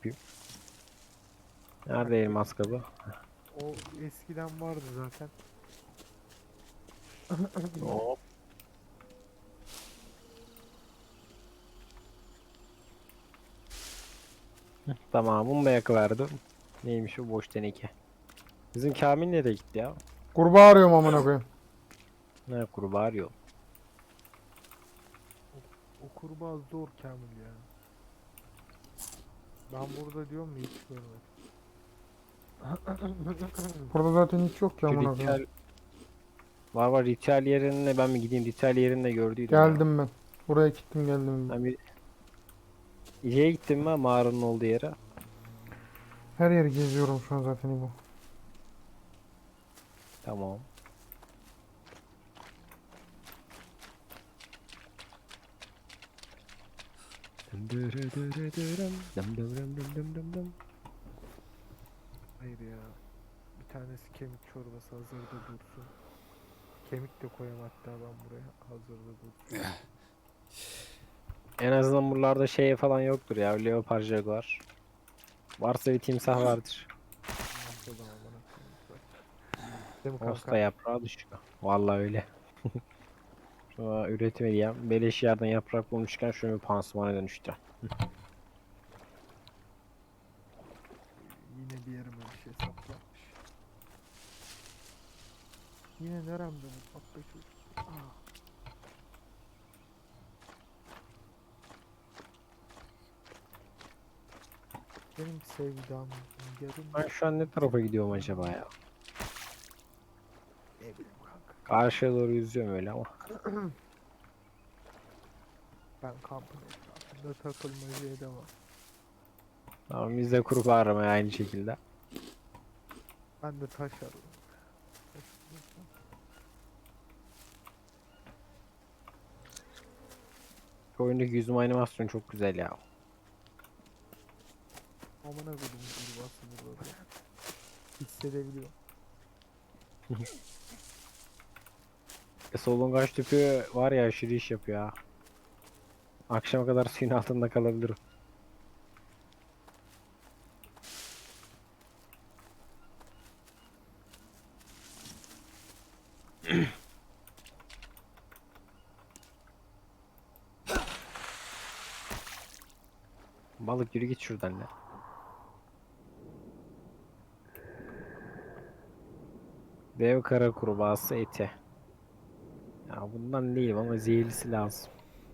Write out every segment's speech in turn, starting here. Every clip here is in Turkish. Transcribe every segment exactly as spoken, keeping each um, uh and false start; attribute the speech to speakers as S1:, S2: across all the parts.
S1: yapayım. Nerede elmas kabı?
S2: O eskiden vardı zaten.
S1: Hop. Tamam, bunu da yakıverdim. Neymiş o boş teneke. Bizim Kamil nereye gitti ya?
S3: Kurbağa arıyorum amına koyayım.
S1: Ne kurbağa arıyor.
S2: O kurbağa zor Kamil ya. Ben burada diyorum da hiç görmedim.
S3: Burada zaten hiç yok ki
S1: Şu
S3: amına
S1: ritüel...
S3: koyayım.
S1: Var var, ritüel yerine ben mi gideyim? Ritüel yerinde gördüydüm ya.
S3: Geldim ben. Buraya gittim geldim.
S1: Ben bir... İleriye gittim ben mağaranın olduğu yere.
S3: Her yeri geziyorum şu an zaten bu.
S1: Tamam.
S2: Hayır ya. Bir tanesi kemik çorbası hazırda dursun. Kemik de koyayım hatta ben buraya hazırda dursun.
S1: En azından buralarda şey falan yoktur ya. Leopar Jaguar. Varsa bir timsah vardır.
S2: Nasıl da amına koyayım zaten. Değil mi kanka?
S1: Osta yaprağı düşüyor. Vallahi öyle. Şuna üretim edeyim. Beleş yerden yaprak bulmuşken şunu bir pansumana dönüştü.
S2: Yine bir yerime bir şey saplanmış. Yine neremde bu patlı çocuk? Ah. Benim sevdam yarım
S1: Ben şu an ne tarafa gidiyorum acaba ya?
S2: ne bileyim kanka.
S1: Karşıya doğru yüzüyorum öyle ama.
S2: Ben kampın etrafında takılmacıya devam.
S1: Tamam, biz de kurbağa aramaya aynı şekilde.
S2: Ben de taş arıyorum. Taş bulursam.
S1: Şu oyundaki yüzme animasyonu çok güzel ya.
S2: Amına koydum kurbağası burada da. Hissedebiliyorum.
S1: E, solungaç tüpü var ya, aşırı iş yapıyor ha. Akşama kadar suyun altında kalabilirim. Balık yürü git şuradan ya. Dev kara kurbağası eti. Ya bundan değil ama zehirlisi lazım.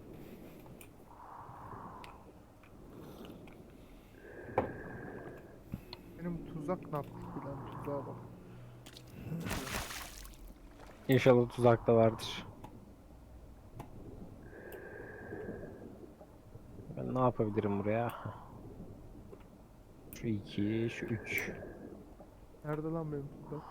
S2: Benim tuzak ne yapmış bilen tuzağa bak.
S1: İnşallah tuzakta vardır. Ben ne yapabilirim buraya? Şu iki, şu üç.
S2: Nerede lan benim tuzak?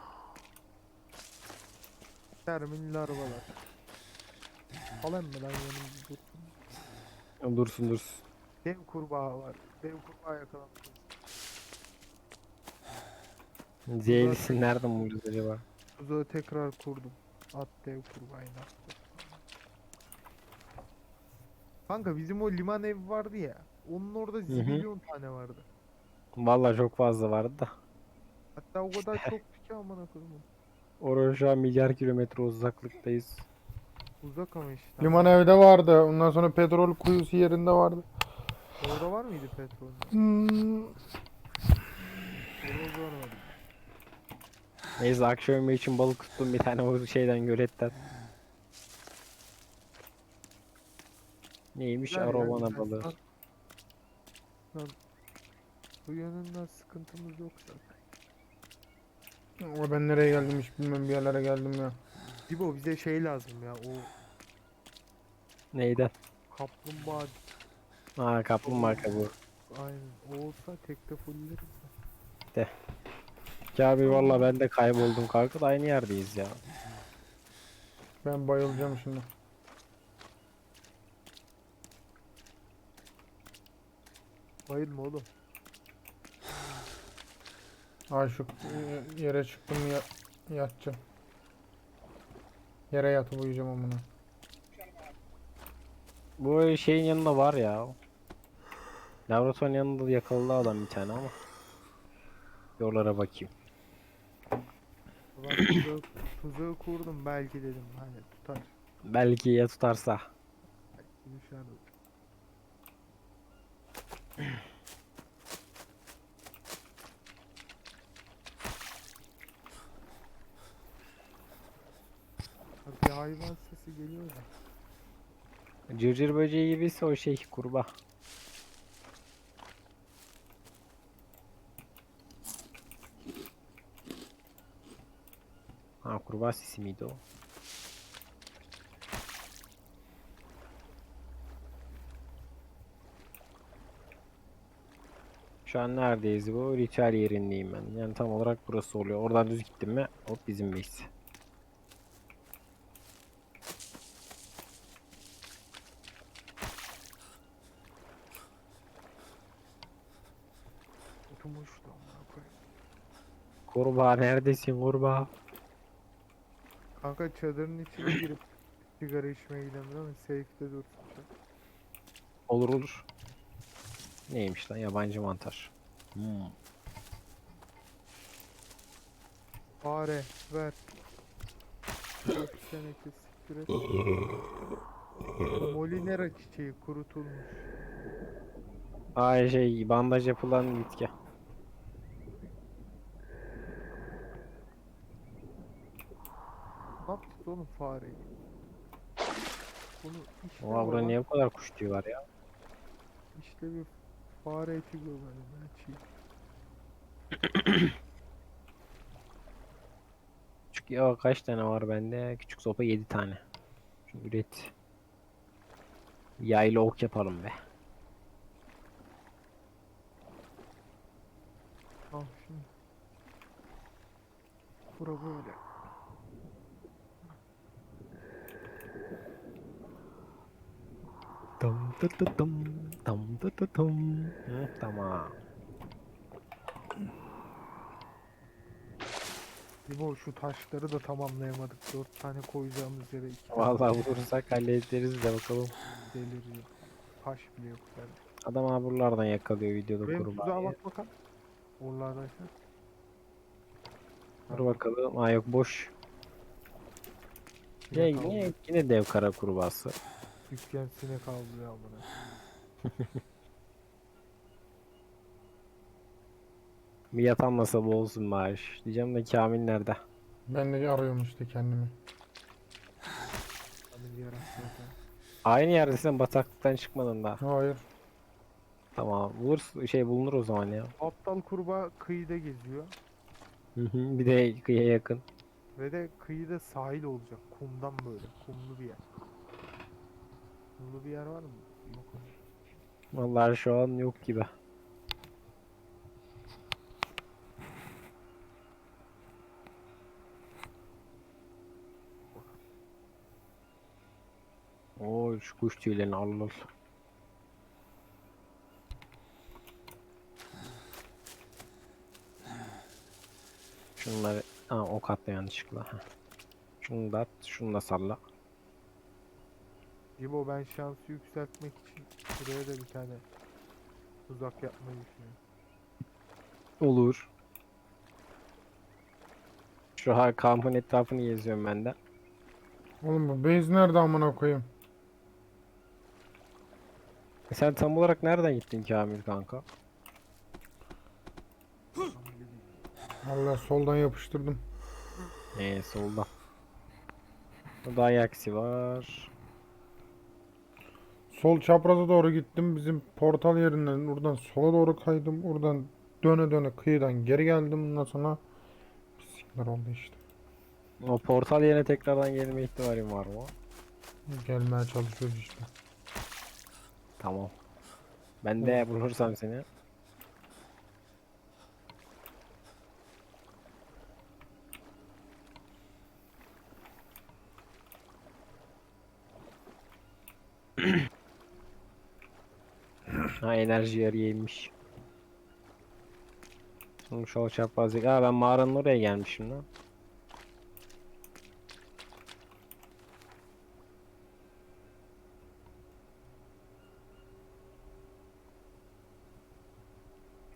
S2: Termin larvalar. Alayım mı lan yanımda dursun.
S1: Dursun dursun.
S2: Dev kurbağa var. Dev kurbağa yakalandı.
S1: Zehirlisi nereden bulacağız acaba?
S2: Tuzağı tekrar kurdum. At dev kurbağayı attı. Kanka bizim o liman evi vardı ya. Onun orada
S1: hı.
S2: zibilyon tane vardı.
S1: Vallahi çok fazla vardı da.
S2: Hatta o kadar çoktu ki amına koyayım.
S1: Oraya şu an milyar kilometre uzaklıktayız.
S2: Uzak ama işte.
S3: Liman evde vardı. Ondan sonra petrol kuyusu yerinde vardı.
S2: Orada var mıydı petrol?
S3: Hmm.
S2: Orada görmedim.
S1: Neyse, akşam yemeği için balık tuttum bir tane o şeyden, göletten. Neymiş?
S2: Güzel ya,
S1: Arowana
S2: güzel.
S1: balığı.
S2: Lan- lan bu yönünden sıkıntımız yok zaten.
S3: O ben nereye geldim hiç bilmem, bir yerlere geldim ya.
S2: İbo bize şey lazım ya, o
S1: Neyden?
S2: kaplumbağa.
S1: Aa, kaplumbağa kabuğu.
S2: Aynen, o olsa tekte fulleriz.
S1: Ya abi valla ben de kayboldum kanka, da aynı yerdeyiz ya.
S3: Ben bayılacağım şimdi.
S2: Bayılma oğlum.
S3: Ay şu e, yere çıktım ya, yatacağım. Yere yatıp uyuyacağım amına.
S1: Bu şeyin yanında var ya. Laboratuvarın yanında yakaladı adam bir tane ama. Yollara bakayım.
S2: Ben tuzağı, tuzağı kurdum belki dedim hani tutar.
S1: Belki ya tutarsa.
S2: Belki düşer. Ha, bir hayvan sesi geliyor da.
S1: Cırcır böceği gibiyse o şey kurbağa. Ha kurbağa sesi miydi o? Şu an neredeyiz bu? Ritüel yerindeyim ben. Yani tam olarak burası oluyor. Oradan düz gittim mi? Hop bizim base.
S2: Oturmuştu amına koyayım.
S1: Kurbağa neredesin kurbağa?
S2: Kanka çadırın içine girip sigara içmeye gidelim değil mi? Safe'de dursun çadır.
S1: Olur olur. Neymiş lan yabancı mantar. Hmm.
S2: Fare ver. Dört seneki siktir et. Molinera çiçeği kurutulmuş.
S1: Ay şey bandaj yapılan bitki.
S2: Ne yaptık oğlum fareyi? Bunu işte
S1: Oha burada
S2: baba.
S1: niye bu kadar kuş tüyü var ya?
S2: İşte bir fare eti gömelim ya çiğ.
S1: Küçük ya kaç tane var bende? Küçük sopa yedi tane. Şunu üret. Yaylı ok yapalım be.
S2: Al şimdi. Bura böyle.
S1: Tam tı tı tım, tam tı tı tım. Hı, tamam.
S2: İbo şu taşları da tamamlayamadık. Dört tane koyacağımız yere iki tane
S1: Vallahi vurursak hallederiz de bakalım.
S2: deliriyor. Taş bile yok yani.
S1: Adam abi buralardan yakalıyor videoda
S2: Benim tuzağa
S1: kurbağayı.
S2: bak bakalım. Oralardaysa.
S1: Dur bakalım. Aa yok boş.
S2: Sinek
S1: Yine,
S2: avlıyor.
S1: yine, yine dev kara kurbağası.
S2: Dükkan sinek avlıyor amına.
S1: Bir yatan nasıl olsun bari. Diyeceğim de Kamil nerede?
S3: Ben de arıyorum işte kendimi.
S2: Kamil yarak zaten.
S1: Aynı yerdesin bataklıktan çıkmadın da.
S3: Hayır.
S1: Tamam. Bulur, şey bulunur o zaman ya.
S2: Aptal kurbağa kıyıda geziyor.
S1: Hı hı, bir de kıyıya yakın.
S2: Ve de kıyıda sahil olacak. Kumdan böyle. Kumlu bir yer. Kumlu bir yer var mı? Yok.
S1: Vallahi şu an yok gibi. Oo şu kuş tüylerini al al. Şunları ha, ok attı yanlışlıkla. Heh. Şunu da at, şunu da salla.
S2: İbo ben şansı yükseltmek için buraya da bir tane tuzak yapmayı düşünüyorum.
S1: Olur. Şu ha kampın etrafını geziyorum ben de.
S3: Oğlum bu base nerede amına koyayım?
S1: E sen tam olarak nereden gittin Kamil kanka?
S2: Tam bileyim.
S3: Allah soldan yapıştırdım.
S1: Ee solda. Burada ayaksi var.
S3: Sol çapraza doğru gittim. Bizim portal yerinden oradan sola doğru kaydım. Oradan döne döne kıyıdan geri geldim. Ondan sonra pislikler oldu işte.
S1: O portal yerine tekrardan gelme ihtimalim var mı?
S3: Gelmeye çalışıyoruz işte.
S1: Tamam. Ben de bulursam seni. Ha enerji yarıymış. Şimdi şu çaprazlık. Aa ben mağaranın oraya gelmişim lan.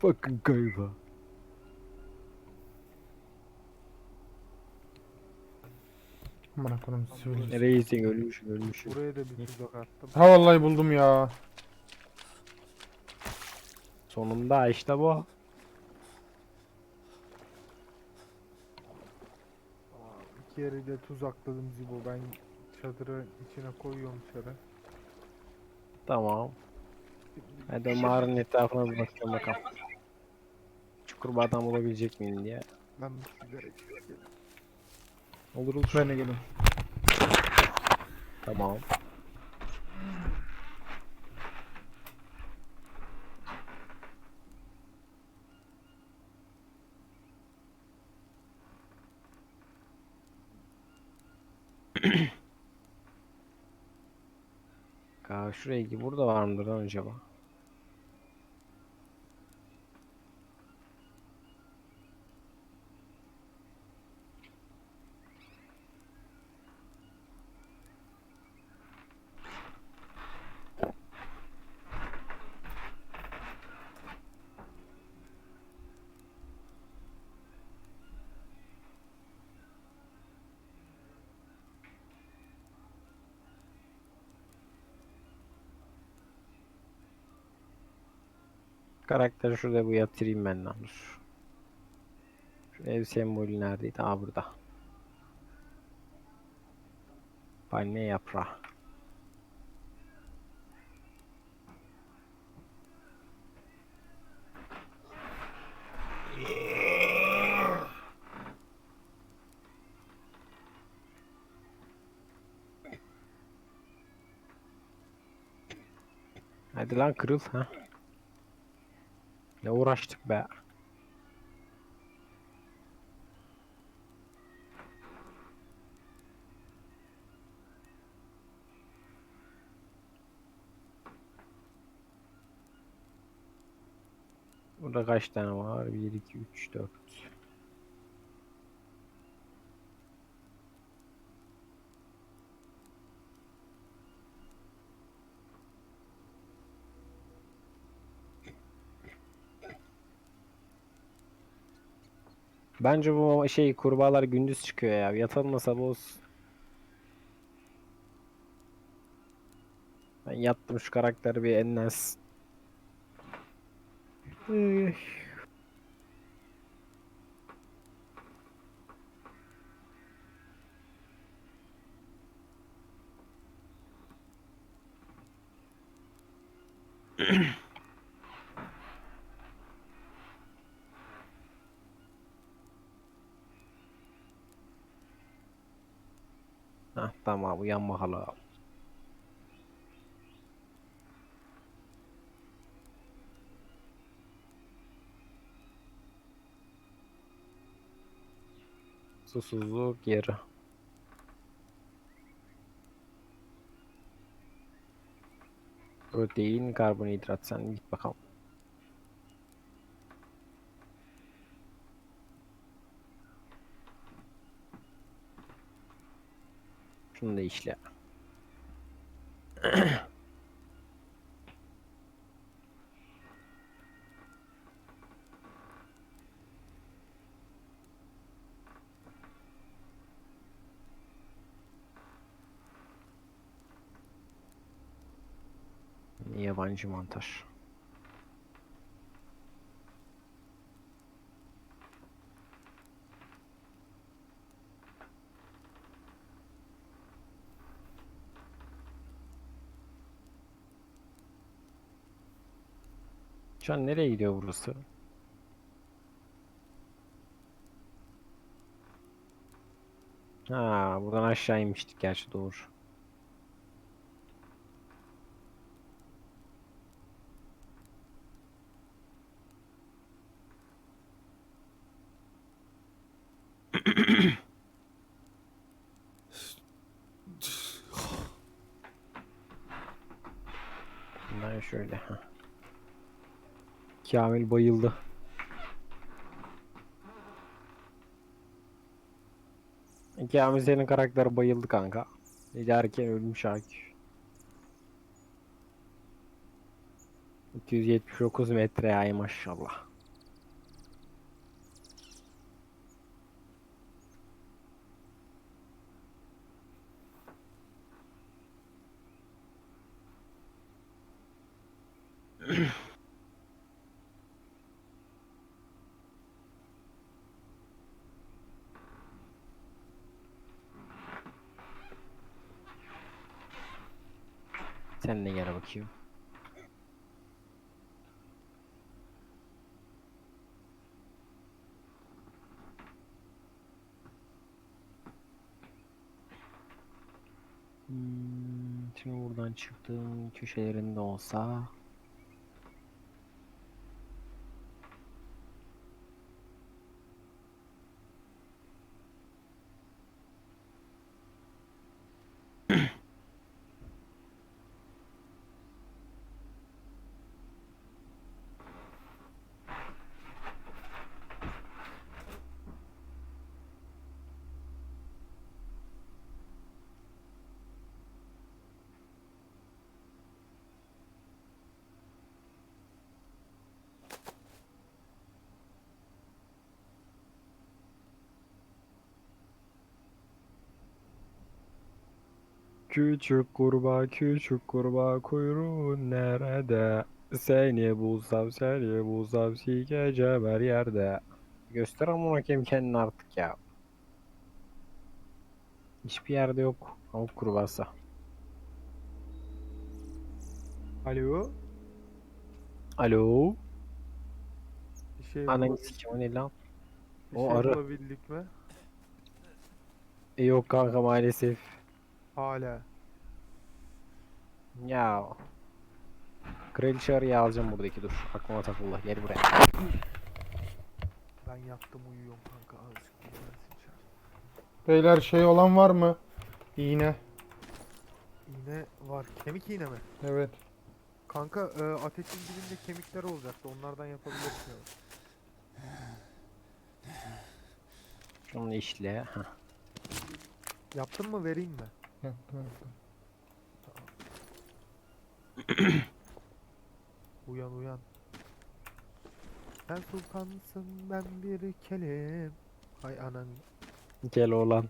S1: Bakın galiba.
S3: Amına koyayım sivil.
S1: Reisin ölmüşüm ölmüşüm.
S2: Buraya da bir tuzak attım.
S3: Ha vallahi buldum ya.
S1: Sonunda işte bu.
S2: Aa, iki yeri de tuzakladım Zibo. Ben çadırın içine koyuyorum çarı.
S1: Tamam.
S2: Şimdi
S1: Ben de mağaranın etrafına bir bakıyorum bakalım. Çukur bir adam bulabilecek miyim diye.
S2: ben bir sigara içeyim.
S1: Olur olur.
S3: Ben de gelin.
S1: Tamam. Aa, şuraya gi- burada var mıdır lan acaba? Karakteri şurada bu yatırayım ben lan dur. Şu ev sembolü neredeydi? Aa burada. Palmiye yaprağı. Hadi lan kırıl ha. Ne uğraştık be. Burada kaç tane var? bir, iki, üç, dört. Bence bu şey kurbağalar gündüz çıkıyor ya. Yatalım da sabah olsun. Ben yattım şu karakteri bir enlensin. Üy. Hah tamam uyan bakalım. Susuzluk yeri. Protein, karbonhidrat sen git bakalım. Şunu da işle. Yabancı mantar. Şu an nereye gidiyor burası? Ha, buradan aşağı inmiştik gerçi doğru. Bundan şöyle. Ha. Kamil bayıldı. Kamil senin karakter bayıldı kanka. Giderken ölmüş Akif. iki yüz yetmiş dokuz metre ay maşallah. Sen de gel bakayım. Hmm, şimdi buradan çıktığım köşelerinde olsa küçük kurbağa küçük kurbağa kuyruğun nerede? Seni bulsam seni bulsam sikeceğim her yerde. Göster amına koyayım kendini artık ya. Hiçbir yerde yok avuk kurbağası.
S2: Alo.
S1: Alo.
S2: Bir şey
S1: Ananı
S2: bulabildik,
S1: sikeyim o ne lan?
S2: bir
S1: o
S2: şey
S1: arı.
S2: bulabildik mi?
S1: E, yok kanka maalesef.
S2: Hala.
S1: Ya. Kraliçe arıyı alacağım buradaki dur. Aklıma takıldı. Gel buraya.
S2: Ben yattım uyuyorum kanka. Azıcık dinlensin çar.
S3: Beyler şey olan var mı? İğne.
S2: İğne var. Kemik iğne mi?
S3: Evet.
S2: Kanka e, ateşin dibinde kemikler olacaktı. Onlardan yapabilirsin. ya.
S1: Şunu işle. Heh.
S2: Yaptın mı vereyim mi?
S3: Yaptım yaptım.
S2: Uyan uyan. Sen sultansın ben bir kelim. Hay anan.
S1: Gel oğlan.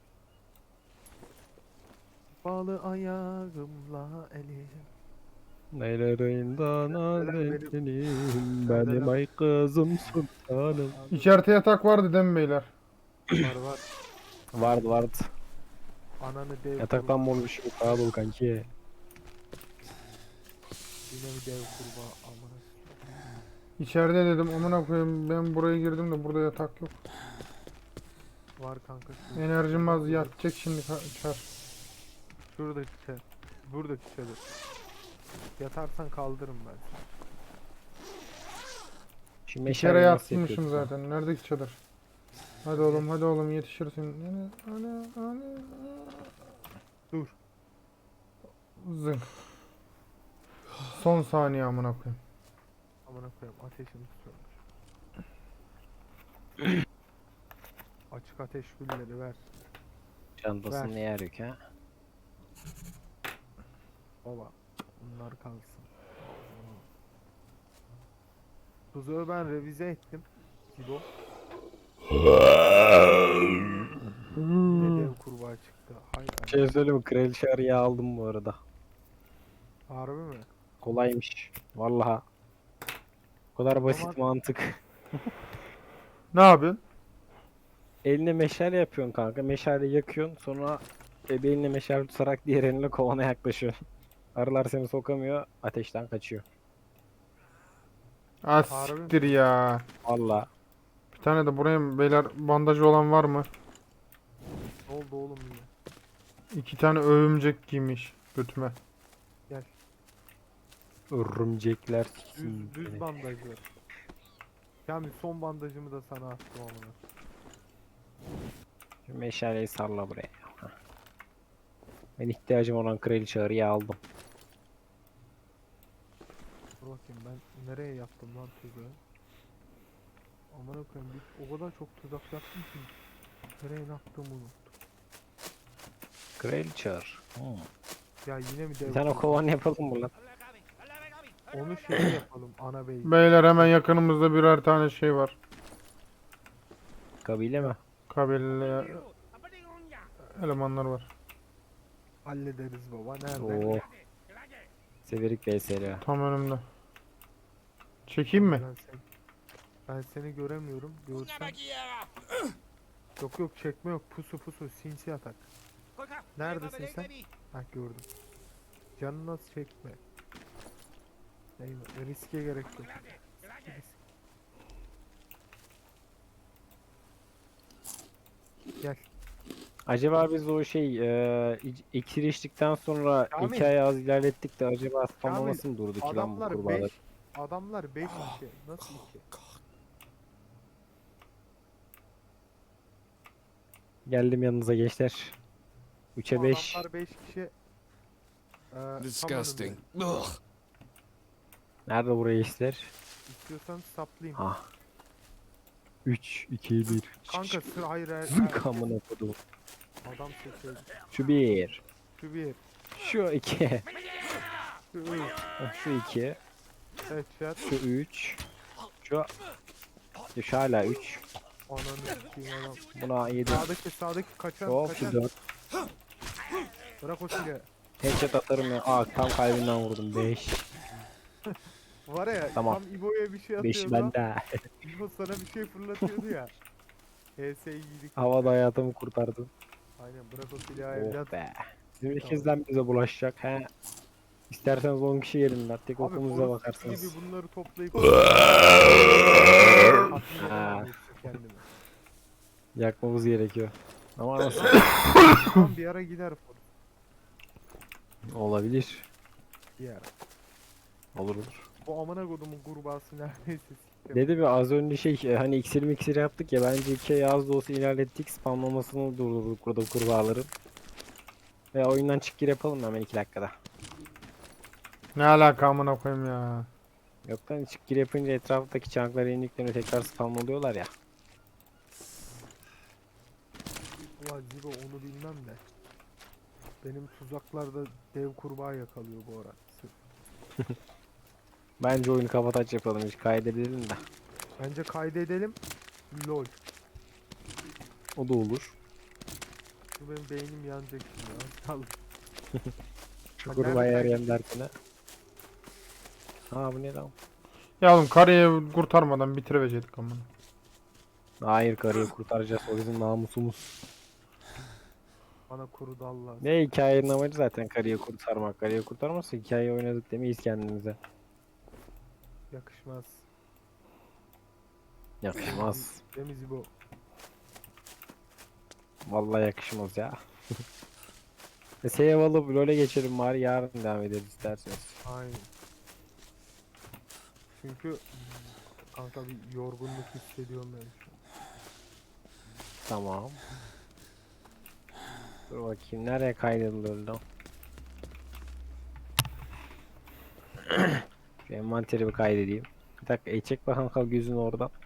S2: Bağlı ayağımla elim.
S1: Neylerinden azelim benim ay kızım sultanım.
S3: İçeride yatak vardı değil mi beyler?
S2: Var var.
S1: Vardı vardı.
S2: Ananı dev
S1: Yataktan
S2: kurbağa.
S1: mor bir şey yok dolu kanki.
S2: Yine bir dev kurbağa. Amına.
S3: İçeride dedim amına koyayım ben buraya girdim de burada yatak yok.
S2: Var kanka. şu-
S3: Enerjim az yatacak şimdi ka- çar.
S2: Şuradaki çadır. Buradaki çadır. Yatarsan kaldırırım ben seni.
S1: Şimdi
S3: Bir kere
S1: meşale nasıl
S3: yatmışım
S1: yapıyorsun?
S3: zaten. Neredeki çadır? Hadi oğlum hadi oğlum yetişirsin. Yani, hani, hani,
S2: Dur.
S3: zın. Son saniye amına koyayım.
S2: Amına koyayım ateşini tutuyormuş. Açık ateş gülleri ver.
S1: Çantasını
S2: Ver.
S1: yer yok ha.
S2: Baba. Bunlar kalsın. Tuzağı ben revize ettim. Sibo. Yine dev kurbağa çıktı. Hay
S1: Bir şey
S2: Allah.
S1: söyleyeyim mi? Kraliçe arıyı aldım bu arada.
S2: Harbi mi?
S1: Kolaymış. Vallahi. O kadar basit
S2: Ama-
S1: mantık.
S3: Ne yapıyorsun?
S1: Eline meşale yapıyorsun kanka. Meşale yakıyorsun. Sonra e, bir eline meşale tutarak diğer elinle kovana yaklaşıyorsun. Arılar seni sokamıyor. Ateşten kaçıyor.
S3: Ah
S2: Harbi mi?
S3: siktir ya.
S1: Vallahi.
S3: Bir tane de buraya beyler bandajı olan var mı?
S2: Ne oldu oğlum yine?
S3: İki tane örümcek giymiş götüme.
S2: Gel.
S1: Örümcekler.
S2: Düz, düz bandaj ver. Yani son bandajımı da sana attım amına.
S1: Şu meşaleyi sarla buraya. Heh. Ben ihtiyacım olan kraliçe arıyı aldım.
S2: Dur bakayım ben nereye yaptım lan tuzağı? Amına koyayım biz o kadar çok tuzak yaptım ki nereye attığımı unuttum.
S1: Kraliçe arı. Hmm.
S2: Ya yine mi dev
S1: Bir tane
S2: kurbağa?
S1: kovan yapalım mı lan?
S2: Onu şey yapalım ana bey.
S3: Beyler hemen yakınımızda birer tane şey var.
S1: Kabile mi?
S3: Kabile elemanlar var.
S2: Hallederiz baba nerede?
S1: Oo. Severik V S L.
S3: Tam önümde. Çekeyim mi?
S2: Ben seni, ben seni göremiyorum. Görsen. Yok yok çekme yok. Pusu pusu sinsi atak. Neredesin sen? Hah gördüm. Canını az çekme. Eyvah, riske gerek yok. Risk. Gel.
S1: Acaba biz o şey e, ic- iksir içtikten sonra
S2: Kamil.
S1: hikaye az ilerlettik de acaba spamlaması mı durdu ki lan bu
S2: Adamlar
S1: kurbağalar?
S2: beş. Adamlar beş kişi. Nasıl iki?
S1: Geldim yanınıza gençler. üçe beş.
S2: Adamlar beş kişi. Ee, tam
S4: Disgusting.
S2: önümde.
S4: Ugh.
S1: Nerede buraya işler?
S2: İstiyorsan saplayayım.
S1: Ah. üç, iki, bir.
S2: Kanka sıra hayır hayır.
S1: Zınk amına kodum.
S2: Adam seçeydi.
S1: Şu bir.
S2: Şu bir.
S1: Şu iki.
S2: Şu üç.
S1: Şu iki.
S2: Evet şat.
S1: Şu üç. Şu. Şu hala üç.
S2: Ananı sikeyim adam.
S1: Buna yedi.
S2: Sağdaki sağdaki kaçan
S1: Hop şu
S2: kaçan.
S1: dört.
S2: Bırak o silahı.
S1: Headshot atarım ya. Aa tam kalbinden vurdum. beş.
S2: Var ya
S1: Tamam.
S2: tam İbo'ya bir şey
S1: beş
S2: atıyordu.
S1: bende.
S2: İbo sana bir şey fırlatıyordu ya. H S'yi yedik.
S1: Havada hayatımı kurtardın.
S2: Aynen bırak o silahı evlat.
S1: Oh be. Bizim ikizden bize bulaşacak he. İsterseniz on kişi gelin lan. Tek
S2: Abi
S1: okumuza
S2: orospu
S1: bakarsınız.
S2: gibi bunları toplayıp tatmin
S1: Ha.
S2: edemem kendimi.
S1: Yakmamız gerekiyor. Ama nasıl?
S2: Tam bir ara gider for.
S1: Olabilir.
S2: Bir ara.
S1: Olur olur.
S2: Bu amına kodumun kurbağası neredeyse siktim.
S1: Dedi bir az önce şey e, hani iksir miksir yaptık ya bence iki az da olsa ilerlettik spamlamasını durdurduk burada kurbağaların. Ve oyundan çık gir yapalım hemen iki dakikada.
S3: Ne alaka amına koyayım ya.
S1: Yok lan çık gir yapınca etraftaki çankları indiklerini tekrar spamlıyorlar ya.
S2: Ulan Zibo onu bilmem de. Benim tuzaklarda dev kurbağa yakalıyor bu ara. Sırf.
S1: Bence oyunu kapataç yapalım hiç kaydedelim de.
S2: Bence kaydedelim. Lol.
S1: O da olur.
S2: Şu benim beynim yanacak şimdi. Az kaldı.
S1: Şu
S2: Ha,
S1: kurbağa
S2: nerede
S1: arayan derkine. Ha bu ne lan?
S3: Ya oğlum karıyı kurtarmadan bitirecektik amına.
S1: Hayır karıyı kurtaracağız o bizim namusumuz.
S2: Bana kuru dal lazım.
S1: Ne hikayenin amacı zaten karıyı kurtarmak. Karıyı kurtarmazsa hikayeyi oynadık demeyiz kendimize.
S2: Yakışmaz.
S1: Yakışmaz.
S2: Değil mi Zibo?
S1: Vallahi yakışmaz ya. E, Save alıp LoL'e geçelim bari yarın devam ederiz isterseniz.
S2: Aynen. Çünkü kanka bir yorgunluk hissediyorum ben şu an.
S1: Tamam. Dur bakayım nereye kaydedilir lan? Şu envanteri bir kaydedeyim. Bir dakika e çek bakalım kal gözün oradan.